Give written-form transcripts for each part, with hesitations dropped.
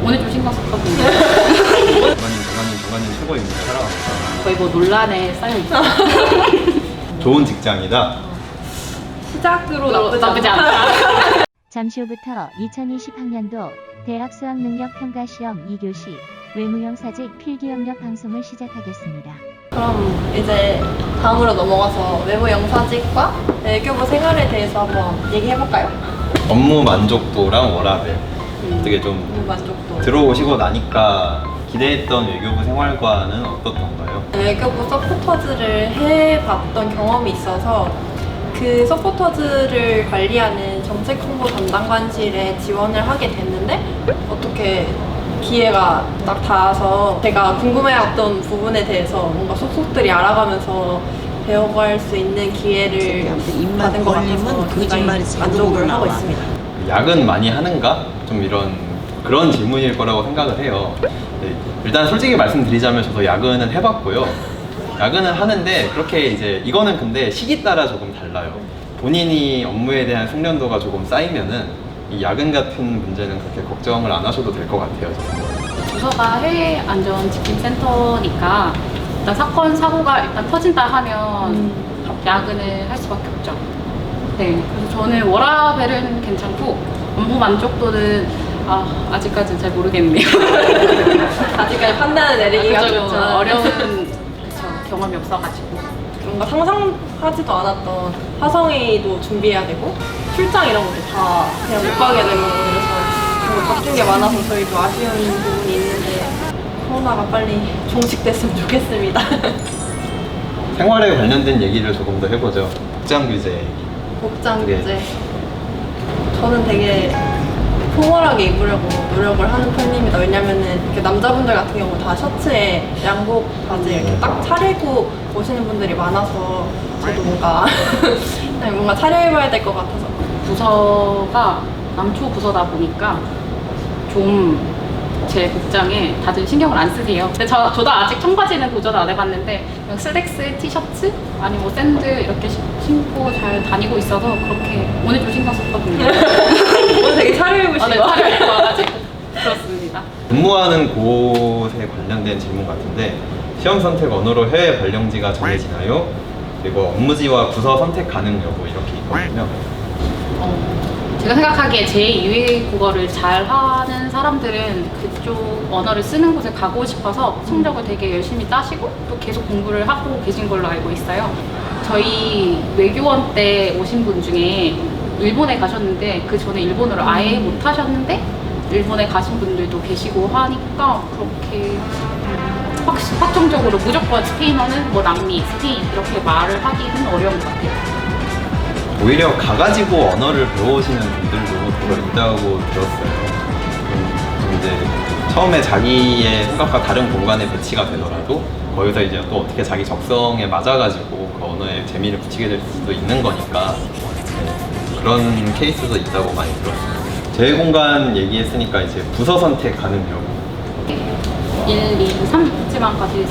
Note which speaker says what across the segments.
Speaker 1: 오늘 좀 신경 썼거든요.
Speaker 2: 정관님 최고입니다. 사랑합니다.
Speaker 1: 거의 뭐 논란에 쌓여있어요.
Speaker 2: 좋은 직장이다.
Speaker 3: 시작으로
Speaker 1: 나쁘지 않다.
Speaker 4: 잠시 후부터 2020학년도 대학 수학능력평가시험 2교시 외무형사직 필기영역 방송을 시작하겠습니다.
Speaker 3: 그럼 이제 다음으로 넘어가서 외부 영사직과 외교부 생활에 대해서 한번 얘기해볼까요?
Speaker 2: 업무 만족도랑 워라밸. 어떻게 좀
Speaker 3: 업무 만족도.
Speaker 2: 들어오시고 나니까 기대했던 외교부 생활과는 어떻던가요?
Speaker 3: 외교부 서포터즈를 해봤던 경험이 있어서 그 서포터즈를 관리하는 정책홍보 담당관실에 지원을 하게 됐는데 어떻게 기회가 딱 닿아서 제가 궁금해했던 부분에 대해서 뭔가 속속들이 알아가면서 배워갈 수 있는 기회를 받은 것 같아서 굉장히 만족을 하고 있습니다.
Speaker 2: 야근 많이 하는가? 좀 그런 질문일 거라고 생각을 해요. 네, 일단 솔직히 말씀드리자면 저도 야근은 해봤고요. 야근은 하는데 그렇게 이제 이거는 근데 시기 따라 조금 달라요. 본인이 업무에 대한 숙련도가 조금 쌓이면은 이 야근 같은 문제는 그렇게 걱정을 안 하셔도 될 것 같아요. 저는.
Speaker 1: 부서가 해외 안전 지킴 센터니까 일단 사건 사고가 일단 터진다 하면 야근을 할 수밖에 없죠. 네, 그래서 저는 워라밸은 괜찮고 업무 만족도는 아직까지는 잘 모르겠네요.
Speaker 3: 아직까지 판단을 내리기가
Speaker 1: 그쵸,
Speaker 3: 좀
Speaker 1: 어려운 경험이 없어가지고.
Speaker 3: 뭔가 상상하지도 않았던 화성회의도 준비해야 되고 출장 이런 것도 다 그냥 못 가게 되고 그래서 뭔가 바뀐 게 많아서 저희도 아쉬운 부분이 있는데 코로나가 빨리 종식됐으면 좋겠습니다.
Speaker 2: 생활에 관련된 얘기를 조금 더 해보죠. 복장 규제 얘기.
Speaker 3: 복장
Speaker 2: 네.
Speaker 3: 규제. 저는 되게 포멀하게 입으려고 노력을 하는 편입니다. 왜냐면은 이렇게 남자분들 같은 경우 다 셔츠에 양복 바지 이렇게 딱 차리고 오시는 분들이 많아서 저도 뭔가 차려입어야 될 것 같아서.
Speaker 1: 부서가 남초 부서다 보니까 좀 제 복장에 다들 신경을 안 쓰세요. 근데 저도 아직 청바지는 도전 안 해봤는데 그냥 슬랙스, 티셔츠, 아니 뭐 샌들 이렇게 신고 잘 다니고 있어서 그렇게 오늘 좀 신경 썼거든요.
Speaker 3: 오늘 되게 차려입으시고.
Speaker 1: 네, 차려입고 와가지고 그렇습니다.
Speaker 2: 근무하는 곳에 관련된 질문 같은데 시험 선택 언어로 해외 발령지가 정해지나요? 그리고 업무지와 부서 선택 가능 여부 이렇게 있거든요.
Speaker 1: 제가 생각하기에 제2외 국어를 잘하는 사람들은 그쪽 언어를 쓰는 곳에 가고 싶어서 성적을 되게 열심히 따시고 또 계속 공부를 하고 계신 걸로 알고 있어요. 저희 외교원 때 오신 분 중에 일본에 가셨는데 그 전에 일본어를 아예 못 하셨는데 일본에 가신 분들도 계시고 하니까 그렇게 확정적으로 무조건 스페인어는 뭐 남미, 스페인 이렇게 말을 하기는 어려운 것 같아요.
Speaker 2: 오히려 가가지고 언어를 배우시는 분들도 더 있다고 들었어요. 좀 이제 처음에 자기의 생각과 다른 공간에 배치가 되더라도 거기서 이제 또 어떻게 자기 적성에 맞아가지고 그 언어에 재미를 붙이게 될 수도 있는 거니까 네, 그런 케이스도 있다고 많이 들었어요. 재외공간 얘기했으니까 이제 부서 선택 가능 여부.
Speaker 1: 1, 2, 3지만까지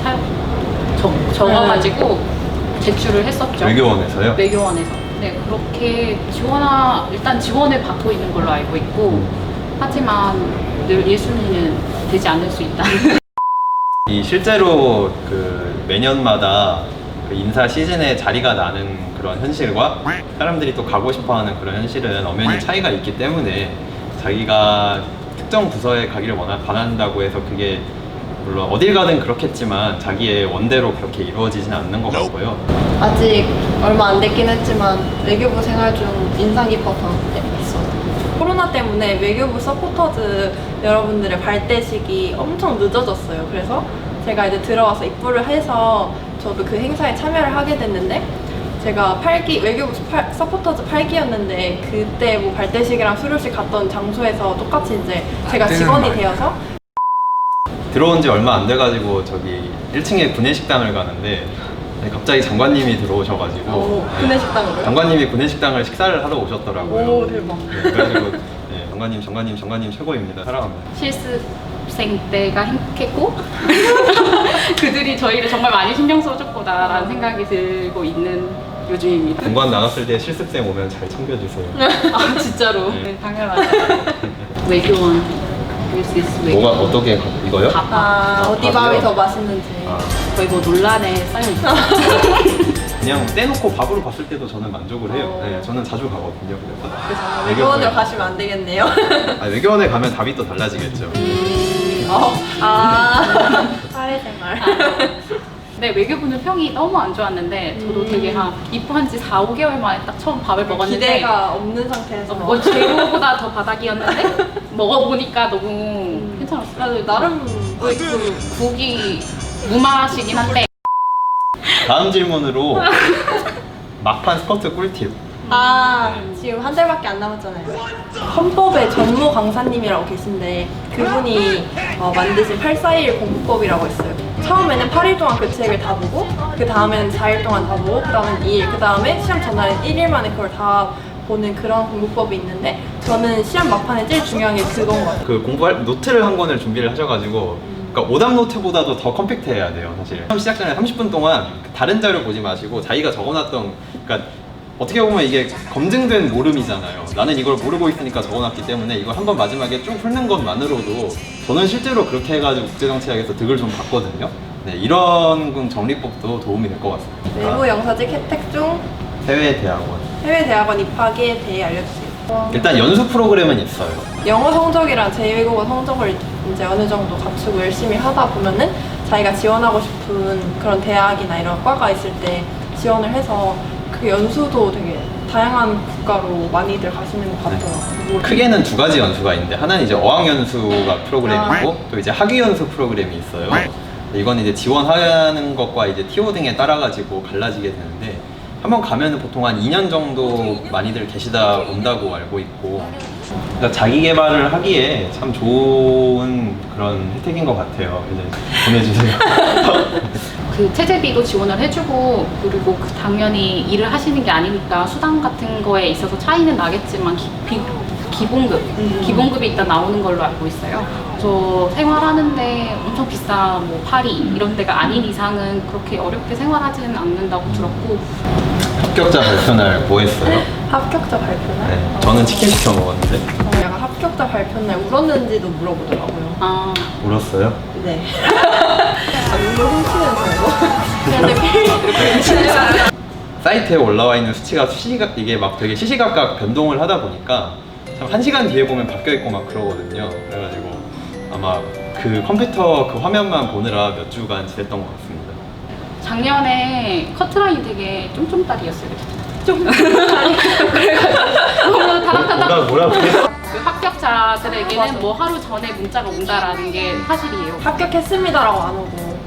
Speaker 1: 적어가지고 제출을 했었죠.
Speaker 2: 외교원에서요?
Speaker 1: 외교원에서. 네, 그렇게 일단 지원을 받고 있는 걸로 알고 있고, 하지만 늘 1순위는 되지 않을 수 있다.
Speaker 2: 이 실제로 그 매년마다 그 인사 시즌에 자리가 나는 그런 현실과 사람들이 또 가고 싶어하는 그런 현실은 엄연히 차이가 있기 때문에 자기가 특정 부서에 가기를 바란다고 해서 그게 물론 어딜 가든 그렇겠지만 자기의 원대로 그렇게 이루어지진 않는 것 같고요.
Speaker 3: 아직 얼마 안 됐긴 했지만 외교부 생활 중 인상 깊었던 게 있어요. 코로나 때문에 외교부 서포터즈 여러분들의 발대식이 엄청 늦어졌어요. 그래서 제가 이제 들어와서 입부를 해서 저도 그 행사에 참여를 하게 됐는데 제가 외교부 서포터즈 8기였는데 그때 뭐 발대식이랑 수료식 갔던 장소에서 똑같이 이제 제가 직원이 되어서
Speaker 2: 들어온 지 얼마 안 돼가지고 저기 1층에 구내식당을 가는데 갑자기 장관님이 들어오셔가지고
Speaker 3: 구내식당으로요?
Speaker 2: 장관님이 구내식당을 식사를 하러 오셨더라고요.
Speaker 3: 오, 대박.
Speaker 2: 네, 그래가지고 네, 장관님 최고입니다. 사랑합니다.
Speaker 1: 실습생 때가 행복했고, 그들이 저희를 정말 많이 신경 써줬구나라는 생각이 들고 있는 요즘입니다.
Speaker 2: 공관 나갔을 때 실습생 오면 잘 챙겨주세요.
Speaker 1: 아, 진짜로?
Speaker 2: 네.
Speaker 1: 네, 당연하죠. 외교원 This is way.
Speaker 2: 뭐가 어떻게 이거요?
Speaker 3: 어디 밥이 더 맛있는지.
Speaker 2: 아,
Speaker 1: 거의 뭐 논란에 쌓여 있어요.
Speaker 2: 그냥 떼놓고 밥으로 봤을 때도 저는 만족을 해요. 네, 저는 자주 가거든요. 그래서
Speaker 3: 외교원으로 가시면 안 되겠네요.
Speaker 2: 외교원에 가면 답이 또 달라지겠죠.
Speaker 3: 사회생활.
Speaker 1: 네, 외교부는 평이 너무 안 좋았는데 저도 되게 한 입학한 지 4, 5개월 만에 딱 처음 밥을 먹었는데
Speaker 3: 기대가 없는 상태에서.
Speaker 1: 뭐 재료보다 더 바닥이었는데 먹어보니까 너무 괜찮았어요.
Speaker 3: 나름
Speaker 1: 그 국이 무맛이긴 한데
Speaker 2: 다음 질문으로 막판 스쿼트 꿀팁.
Speaker 3: 지금 한 달밖에 안 남았잖아요. 헌법의 전무 강사님이라고 계신데 그분이 만드신 841 공부법이라고 있어요. 처음에는 8일 동안 그 책을 다 보고 그 다음에는 4일 동안 다 보고 그 다음엔 2일 그 다음에 시험 전날엔 1일 만에 그걸 다 보는 그런 공부법이 있는데 저는 시험 막판에 제일 중요한 게 그건 것 같아요.
Speaker 2: 그 공부할 노트를 한 권을 준비를 하셔가지고 그러니까 오답 노트보다도 더 컴팩트해야 돼요, 사실. 시험 시작 전에 30분 동안 다른 자료 보지 마시고 자기가 적어놨던, 그러니까 어떻게 보면 이게 검증된 모름이잖아요. 나는 이걸 모르고 있으니까 적어놨기 때문에 이걸 한번 마지막에 쭉 훑는 것만으로도 저는 실제로 그렇게 해가지고 국제정치학에서 득을 좀 봤거든요. 네, 이런 정리법도 도움이 될 것 같습니다.
Speaker 3: 외부 영사직 혜택 중
Speaker 2: 해외대학원.
Speaker 3: 해외대학원 입학에 대해 알려주세요.
Speaker 2: 일단 연수 프로그램은 있어요.
Speaker 3: 영어 성적이랑 제2외국어 성적을 이제 어느 정도 갖추고 열심히 하다 보면은 자기가 지원하고 싶은 그런 대학이나 이런 과가 있을 때 지원을 해서 그 연수도 되게 다양한 국가로 많이들 가시는 것 같더라고요.
Speaker 2: 크게는 두 가지 연수가 있는데 하나는 이제 어학연수가 프로그램이고 또 이제 학위연수 프로그램이 있어요. 이건 이제 지원하는 것과 이제 TO 등에 따라 가지고 갈라지게 되는데 한번 가면은 보통 한 2년 정도 많이들 계시다 온다고 알고 있고, 그러니까 자기 개발을 하기에 참 좋은 그런 혜택인 것 같아요. 이제 보내주세요.
Speaker 1: 그 체재비도 지원을 해주고 그리고 그 당연히 일을 하시는 게 아니니까 수당 같은 거에 있어서 차이는 나겠지만 기본급이 일단 나오는 걸로 알고 있어요. 저 생활하는데 엄청 비싼 뭐 파리 이런 데가 아닌 이상은 그렇게 어렵게 생활하지는 않는다고 들었고.
Speaker 2: 합격자 발표날 뭐 했어요?
Speaker 3: 합격자 발표날?
Speaker 2: 네, 저는 치킨 시켜 먹었는데.
Speaker 3: 약간 합격자 발표날 울었는지도 물어보더라고요.
Speaker 2: 울었어요?
Speaker 3: 네. 눈물 훔치는 정도? 그런데
Speaker 2: 사이트에 올라와 있는 수치가 이게 막 되게 시시각각 변동을 하다 보니까 참 1시간 뒤에 보면 바뀌어 있고 막 그러거든요. 그래가지고 아마 그 컴퓨터 그 화면만 보느라 몇 주간 지냈던 것 같습니다.
Speaker 1: 작년에 커트라인이 되게 쫌쫌다리였어요. 그래가지고 너무 타닥타닥.
Speaker 2: 뭐라고?
Speaker 1: 그 합격자들에게는 뭐 하루 전에 문자가 온다라는 게 사실이에요.
Speaker 3: 합격했습니다라고 안 오고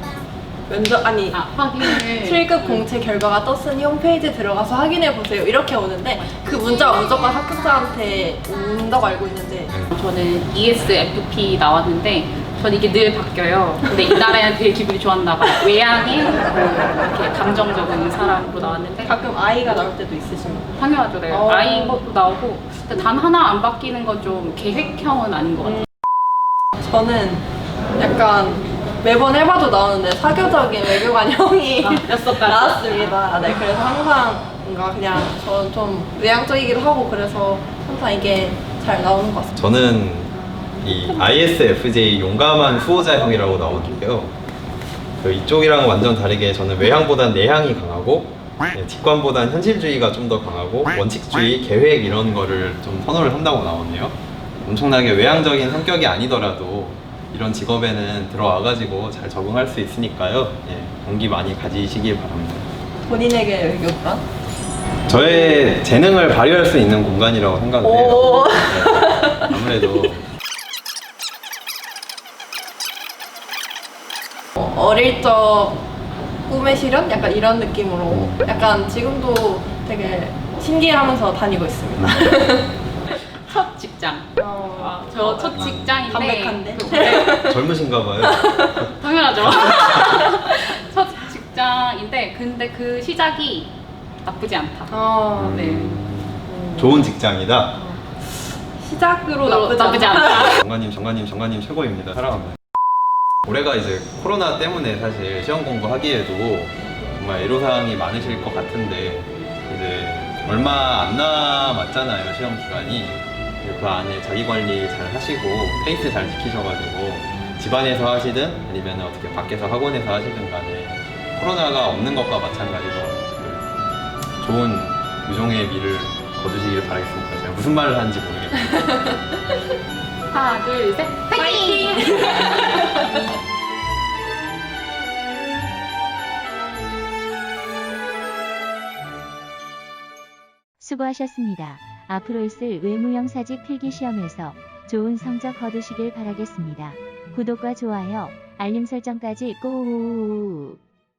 Speaker 1: 확인을
Speaker 3: 7급 공채 결과가 떴으니 홈페이지에 들어가서 확인해 보세요 이렇게 오는데 그 문자가 무조건 합격자한테 온다고 알고 있는데
Speaker 1: 저는 ESFP 나왔는데 전 이게 늘 바뀌어요. 근데 이날에는 되게 기분이 좋았나 봐요. 외향인 이렇게 감정적인 사람으로 나왔는데
Speaker 3: 가끔 아이가 나올 때도 있으신가요?
Speaker 1: 당연하죠. 네. 아이인 것도 나오고 근데 단 하나 안 바뀌는 건 좀 계획형은 아닌 것 같아요.
Speaker 3: 저는 약간 매번 해봐도 나오는데 사교적인 외교관 형이 나왔습니다. 네, 그래서 항상 뭔가 그냥 저는 좀 외향적이기도 하고 그래서 항상 이게 잘 나오는 것 같습니다.
Speaker 2: 저는 이 ISFJ 용감한 수호자형이라고 나오는데요. 그 이쪽이랑 완전 다르게 저는 외향보단 내향이 강하고 직관보단 현실주의가 좀 더 강하고 원칙주의, 계획 이런 거를 좀 선호를 한다고 나오네요. 엄청나게 외향적인 성격이 아니더라도 이런 직업에는 들어와가지고 잘 적응할 수 있으니까요. 용기 많이 가지시길 바랍니다.
Speaker 3: 본인에게 외교관?
Speaker 2: 저의 재능을 발휘할 수 있는 공간이라고 생각을 해요. 네, 아무래도
Speaker 3: 어릴 적 꿈의 실현? 약간 이런 느낌으로 약간 지금도 되게 신기해하면서 다니고 있습니다.
Speaker 1: 첫 직장. 저 첫 직장인데
Speaker 3: 담백한데?
Speaker 2: 젊으신가 봐요.
Speaker 1: 당연하죠. 첫 직장인데 근데 그 시작이 나쁘지 않다. 네.
Speaker 2: 좋은 직장이다.
Speaker 3: 시작으로
Speaker 1: 나쁘지 않다.
Speaker 2: 정관님 최고입니다. 사랑합니다. 올해가 이제 코로나 때문에 사실 시험 공부하기에도 정말 애로사항이 많으실 것 같은데 이제 얼마 안 남았잖아요, 시험 기간이. 그 안에 자기 관리 잘 하시고 페이스 잘 지키셔가지고 집안에서 하시든 아니면 어떻게 밖에서 학원에서 하시든 간에 코로나가 없는 것과 마찬가지로 그 좋은 유종의 미를 거두시길 바라겠습니다. 제가 무슨 말을 하는지 모르겠네요.
Speaker 1: 하나, 둘, 셋, 파이팅!
Speaker 4: 수고하셨습니다. 앞으로 있을 외무형사직 필기시험에서 좋은 성적 거두시길 바라겠습니다. 구독과 좋아요, 알림 설정까지 꼭!